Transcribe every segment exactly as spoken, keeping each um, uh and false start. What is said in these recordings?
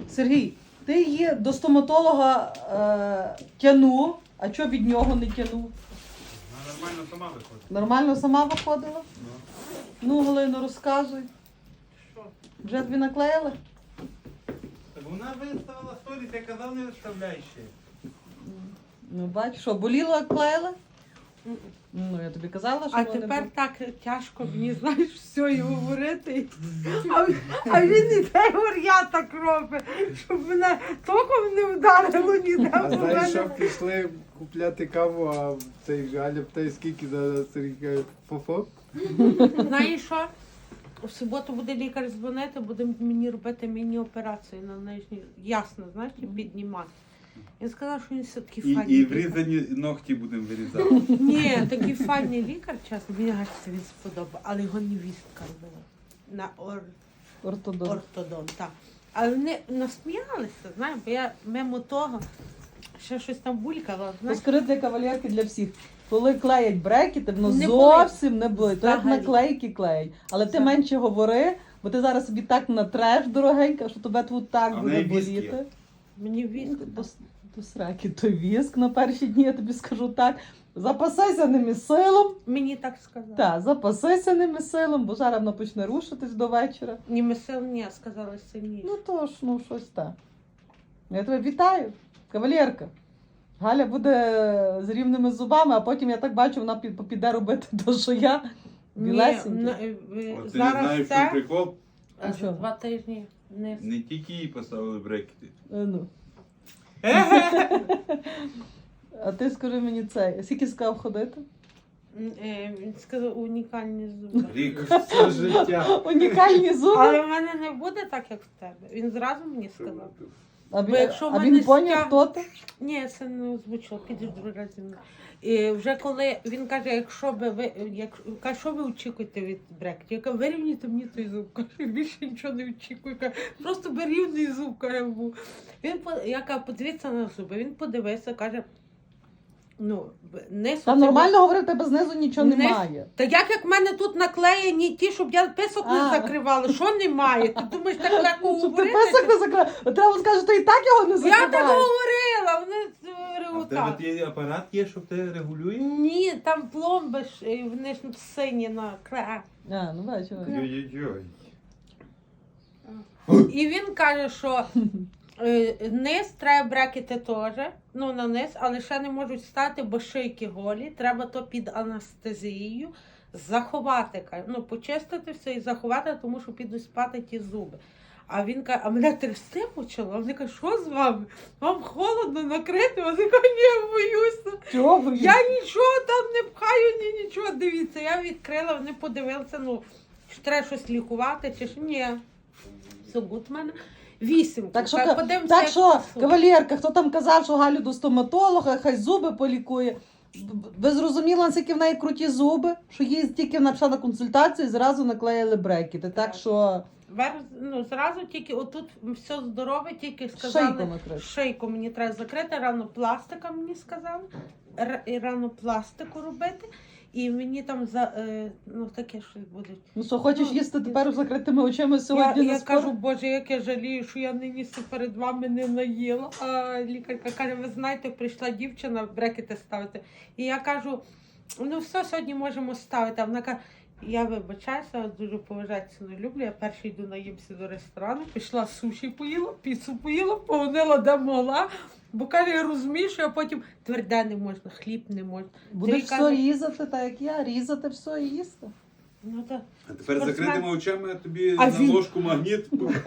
Сергій, ти її до стоматолога е, тянув, а чого від нього не тянув? Вона нормально сама виходить. Нормально сама виходила? Ну. Ну, Галино, розказуй. Що? Вже тобі наклеїли? Так вона виставила сторіс, я казав, не виставляй ще. Ну, бачиш, що, боліло, як клеїли? Ну, я тобі казала, що А вони тепер бу- так тяжко мені, знаєш, все і говорити. А, а він іде, говорить, я так робить, щоб мене током не вдарило ніде. А бо знаєш, мене- що пішли купляти каву, а цей Галя питає, скільки за Сергія фофо? Знаєш що? У суботу буде лікар дзвонити, буде мені робити міні-операцію на нижній. Ясно, знаєш, і піднімати. Він сказав, що він все-таки І, файний і лікар. врізані ногті будемо вирізати. Ні, такий файний лікар, чесно, мені аж це він сподобав, але його невістка робила. На ор... ортодонт. ортодон, так. Але вони насміялися, знаєш, бо я мимо того ще щось там булькала, знаєш. Розкажи для кавалерки, для всіх. Коли клеять брекети, воно Не зовсім не болить. То як Взагалі. наклейки клеять. Але ти Взагалі. менше говори, бо ти зараз собі так натреш, дорогенька, що тебе тут так А в буде неї віск є. боліти. Мені віск. До, до сраки той віск на перші дні, я тобі скажу так. Запасайся ними силом. Мені так сказали. Так, запасайся ними силом, бо зараз воно почне рушитись до вечора. Ні месел, ні, сказали сильніше. Ну то ж, ну щось так. Я тебе вітаю, кавалерка. Галя буде з рівними зубами, а потім я так бачу, вона під- піде робити те, що я. Ні, Білесенькі. на- е, е, От ти не знаєш, зараз в чому це, прикол? а А за що? два тижні не Не тільки їй поставили брекети. Е, Ну. А ти скажи мені це, скільки сказав ходити? М, е, він сказав унікальні зуби. Рік. Все життя. Унікальні зуби. Але в мене не буде так, як в тебе. Він зразу мені сказав. А, бо він- якщо в а мене він поняв, стяг- хто ти? Ні, це не озвучило, підеш другий раз зі мною. І вже коли він каже, якщо би ви, як, каже, що ви очікуєте від брекетів? Я кажу, вирівнюйте мені той зуб. Каже, більше нічого не очікую. Каже, просто би рівний зуб, каже, був. Він, по- я кажу, подивіться на зуби. Він подивився, каже, ну, не Та нормально говорив, тебе знизу нічого Не- немає. Та як як в мене тут наклеєні ті, щоб я писок не А. закривала, що немає? Ти думаєш, так легко Щоб ти говорити? писок не закрив. Треба сказати, що ти і так його не Я так закриваєш. говорила, вони А в тебе реготали. той апарат є, що ти регулює? Ні, там пломби ж, е, вони ж сині на кра. А, ну бачу. Йой-йой-йой. І він каже, що е, низ треба брекети теж, ну на низ, але ще не можуть стати, бо шийки голі. Треба то під анестезією заховати, каже, ну почистити все і заховати, тому що підуть спати ті зуби. А він каже, а мене трясти почало. А вони кажуть, що з вами? Вам холодно накрити? Вони кажуть, ні, я боюся. Чого ви? Я нічого там не пхаю, ні нічого. Дивіться, я відкрила, вони подивилися, ну, що треба щось лікувати, чи ж ні. Все гуд в мене. Вісім. Так що, Та ка- подивимося, так як що, це. кавалерка, хто там казав, що Галю до стоматолога, хай зуби полікує. Б- Ви зрозуміли, наскільки в неї круті зуби, що їй тільки вона пішла на консультацію і зразу наклеїли брекети. Так Так. що Вер, ну, зразу тільки отут все здорове, тільки сказали. шийку накрити. Шийку мені треба закрити, рано пластика мені сказали. Р- і рано пластику робити. І мені там за е, ну таке щось буде. Ну що, хочеш Ну, їсти тепер з закритими очима сьогодні Я, на я спорт? кажу, Боже, як я жалію, що я нині се перед вами не наїла. А лікарка каже, ви знаєте, прийшла дівчина брекети ставити. І я кажу, ну все, сьогодні можемо ставити. А вона каже, я вибачаюся, дуже поважаю, ціну люблю. Я перший йду наїмся до ресторану, пішла суші поїла, піцу поїла, погонила де могла. Бо каже, я розумію, що я потім тверде не можна, хліб не можна. Будеш Ти все каже- різати, так як я, різати все і їсти. Ну так. А тепер Спортсмен. закритими очами тобі А на він- ложку магніт.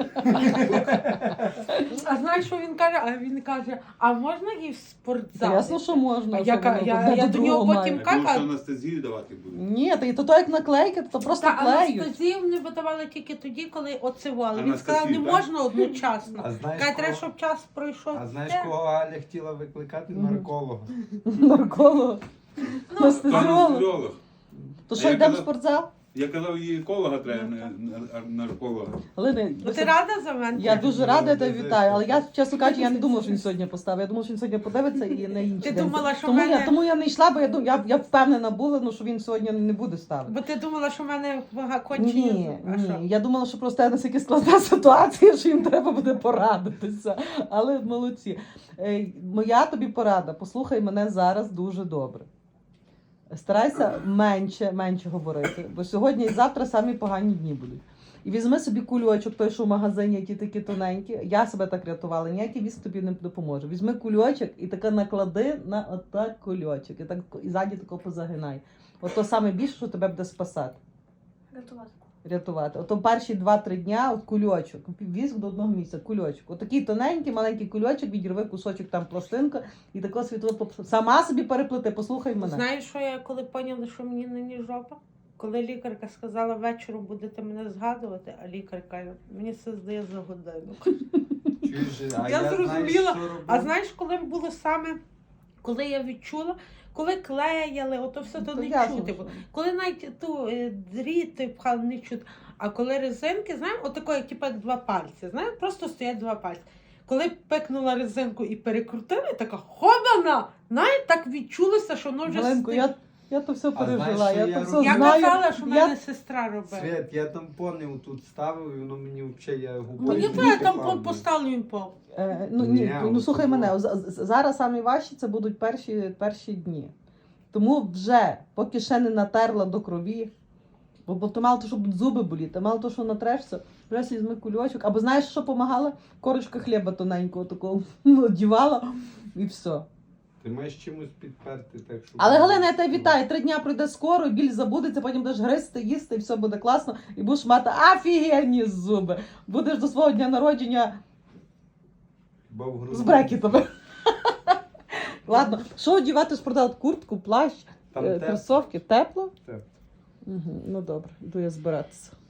А знаєш, що він каже? А він каже, а можна і в спортзал? Ясно, що можна. А що я воно ка- я- одне я до до нього другого потім має. ка- Я думав, що анестезію давати будуть. Ні, та і то, то як наклейки, то просто Та клеють. анестезію не видавали тільки тоді, коли оцивали. Він Анестезію, сказав, не так? можна одночасно. А знаєш, Каже, треба, кого, щоб час пройшов. а знаєш, Те. кого Галя хотіла викликати? Мгм. Нарколога. Нарколог. Ну, Хто Анестезіолог. анестезіолог? То А що, я йдемо в казав- спортзал? Я казав, її еколога треба, не не- нарколога. Галини, Ну, ти рада за мене? я дуже рада, я тебе вітаю, але я, чесно кажучи, я не думала, що він сьогодні поставив. Я думала, що він сьогодні подивиться і не інший Ти день. думала, що тому, в мене- я, тому я не йшла, бо я, дум- я, я впевнена була, ну, що він сьогодні не буде ставити. Бо ти думала, що в мене вага кончені. Ні, А що? ні. Я думала, що просто настільки складна ситуація, що їм треба буде порадитися. Але молодці. Е, Моя тобі порада, послухай мене зараз дуже добре. Старайся менше, менше говорити, бо сьогодні і завтра самі погані дні будуть. І візьми собі кульочок, той, що в магазині, ті такі тоненькі. Я себе так рятувала, ніякий віск тобі не допоможе. Візьми кульочок і таке наклади на отак кульочок. І так і ззаді тако позагинай. Ото саме більше, що тебе буде спасати. Рятувати. Рятувати. Ото перші два-три дня от кульочок. Візьм до одного місця, кульочок. Отакий тоненький, маленький кульочок, відірви кусочок там пластинка і тако світло поп- сама собі переплити, послухай мене. Знаєш, що я коли поняла, що мені нині жопа? Коли лікарка сказала, вечором будете мене згадувати, а лікар каже, мені це здає за годину. Чуєш, а Я знаєш, зрозуміла. що робив? А знаєш, коли було саме, коли я відчула, коли клеяли, ото все то То не ясно, чути. що. Коли навіть ту е, дріти пхали, не чути. А коли резинки, знаєш, отако, як, типу, як два пальці, знаєш, просто стоять два пальці. Коли пекнула резинку і перекрутили, така хобана! Знаєш, так відчулося, що воно вже Галенко, стиг- я, я то все А знаєш, пережила, що я, я то все роблю? Я знаю. казала, що в Я- мене сестра робила. Свет, я тампони тут ставив, і воно мені взагалі, я губою Мені звідти треба там пав. поставлю пол. Е, ну, ні, Ні, ну от слухай тому. мене, з- з- зараз самі важчі це будуть перші, перші дні. Тому вже, поки ще не натерла до крові, бо, бо то мало то, щоб зуби боліти, мало то, що натрешся, вже візьми кульочок. Або знаєш, що допомагала? Корочка хліба тоненького такого одівала і все. Ти маєш чимось підперти, так що... Але Галина, я тебе вітаю, три дня пройде скоро, і біль забудеться, потім будеш гризти, їсти, і все буде класно, і будеш мати офігенні зуби. Будеш до свого дня народження Хіба в груди? з брекетами. Ладно, що одягати, спродав куртку, плащ, Там е, тепло. кросовки, тепло? Тепло. Угу, ну добре, йду я збиратися.